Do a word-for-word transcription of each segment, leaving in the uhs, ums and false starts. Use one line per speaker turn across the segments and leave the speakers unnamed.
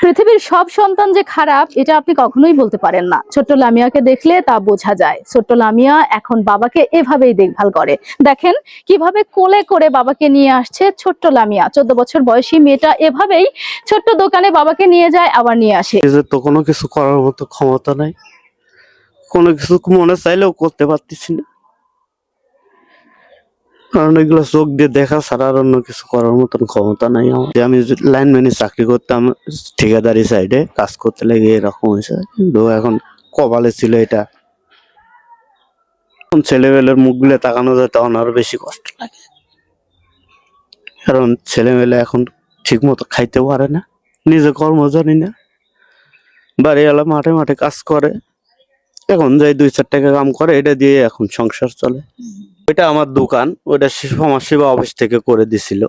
পৃথিবীর সব সন্তান যে খারাপ এটা আপনি কখনোই বলতে পারেন না। ছোট্ট লামিয়াকে দেখলে তা বোঝা যায়। ছোট্ট লামিয়া এখন বাবাকে এভাবেই দেখভাল করে। দেখেন কিভাবে কোলে করে বাবাকে নিয়ে আসছে ছোট্ট লামিয়া। চোদ্দ বছর বয়সী মেয়েটা এভাবেই ছোট্ট দোকানে বাবাকে নিয়ে যায় আবার নিয়ে আসে।
তো কোনো কিছু করার মতো ক্ষমতা নাই, কোনো কিছু মনে চাইলেও করতে পারতেছি না, কারণ এগুলো চোখ দিয়ে দেখা ছাড়া আর অন্য কিছু করার মতন ক্ষমতা নাই আমার। আমি লাইনম্যানে চাকরি করতাম, ঠিকাদারি সাইডে কাজ করতে লেগে এরকম হয়েছে, কিন্তু এখন কপালে ছিল এটা। ছেলেমেয়ের মুখগুলো তাকানো যায় তখন আরো বেশি কষ্ট লাগে, কারণ ছেলেমেয়ে এখন ঠিক মতো খাইতে পারে না, নিজে কর্ম জানি না, বাড়িওয়ালা মাঠে মাঠে কাজ করে, এখন যাই দুই চার টাকা কাম করে, এটা দিয়ে এখন সংসার চলে। ওইটা আমার দোকান, ওইটা সমাজ সেবা অফিস থেকে করে দিছিল।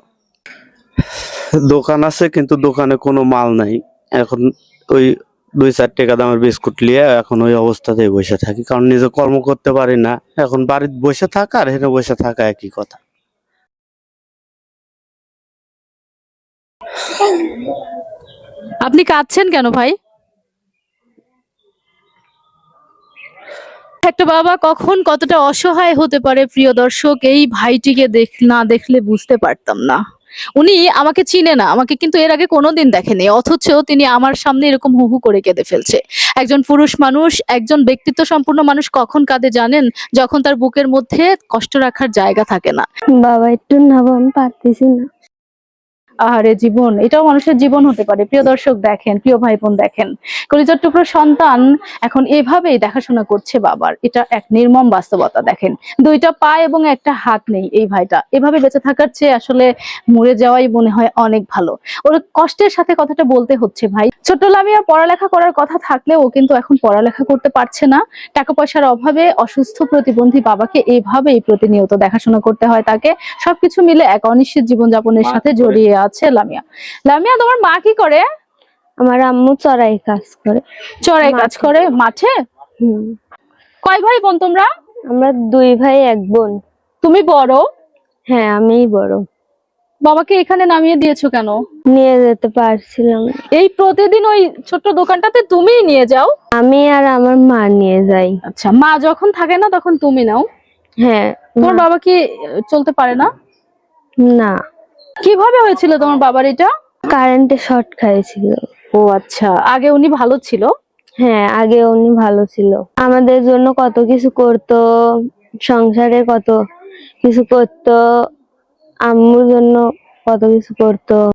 দোকান আছে কিন্তু দোকানে কোনো মাল নাই, এখন ওই দুই চার টাকা দামের বিস্কুট নিয়ে এখন ওই অবস্থাতেই বসে থাকি, কারণ নিজে কর্ম করতে পারি না। এখন বাড়িতে বসে থাকা আর হেনে বসে থাকা একই কথা।
আপনি কাঁদছেন কেন ভাই? একটা বাবা কখন কতটা অসহায় হতে পারে প্রিয় দর্শক, এই ভাইটিকে দেখ না দেখলে বুঝতে পারতাম না। উনি আমাকে চিনে না, আমাকে কিন্তু এর আগে কোনোদিন দেখেনি, অথচ তিনি আমার সামনে এরকম হু হু করে কেঁদে ফেলছে। একজন পুরুষ মানুষ, একজন ব্যক্তিত্ব সম্পূর্ণ মানুষ কখন কাঁদে জানেন? যখন তার বুকের মধ্যে কষ্ট রাখার জায়গা থাকে না।
বাবা একটু নাবো, আমি পারতেছি না।
আহারে জীবন, এটাও মানুষের জীবন হতে পারে। প্রিয় দর্শক দেখেন, প্রিয় ভাই বোন দেখেন, কলিজার টুকরো সন্তান এখন এভাবেই দেখাশোনা করছে বাবার। এটা এক নির্মম বাস্তবতা। দেখেন দুইটা পা এবং একটা হাত নেই এই ভাইটা, এভাবে বেঁচে থাকার চেয়ে আসলে মরে যাওয়াই মনে হয় অনেক ভালো। ওর কষ্টের সাথে কথাটা বলতে হচ্ছে ভাই। ছোট্ট লামিয়া পড়ালেখা করার কথা থাকলেও কিন্তু এখন পড়ালেখা করতে পারছে না। টাকা পয়সার অভাবে অসুস্থ প্রতিবন্ধী বাবাকে এইভাবেই প্রতিনিয়ত দেখাশোনা করতে হয় তাকে। সবকিছু মিলে এক অনিশ্চিত জীবনযাপনের সাথে জড়িয়ে আছে লামিয়া। লামিয়া, তোমার মা কি করে?
আমার আম্মু চড়াই কাজ করে।
চড়াই কাজ করে মাঠে?
হুম।
কয় ভাই বোন তোমরা?
আমরা দুই ভাই এক বোন।
তুমি বড়?
হ্যাঁ, আমিই বড়।
বাবাকে এখানে নামিয়ে দিয়েছো কেন?
নিয়ে যেতে পারছিলাম।
এই প্রতিদিন ওই ছোট্ট দোকানটাতে তুমিই নিয়ে যাও?
আমি আর আমার মা নিয়ে যাই।
আচ্ছা, মা যখন থাকে না তখন তুমি নাও?
হ্যাঁ।
তোমার বাবা কি চলতে পারে না?
না।
কিভাবে হয়েছিল তোমার বাবার এটা?
কারেন্টে শর্ট খাইছিল।
ও আচ্ছা, আগে উনি ভালো ছিল?
হ্যাঁ, আগে উনি ভালো ছিল, আমাদের জন্য কত কিছু করতো, সংসারে কত কিছু করতো, আম্মুর জন্য কত কিছু করতো।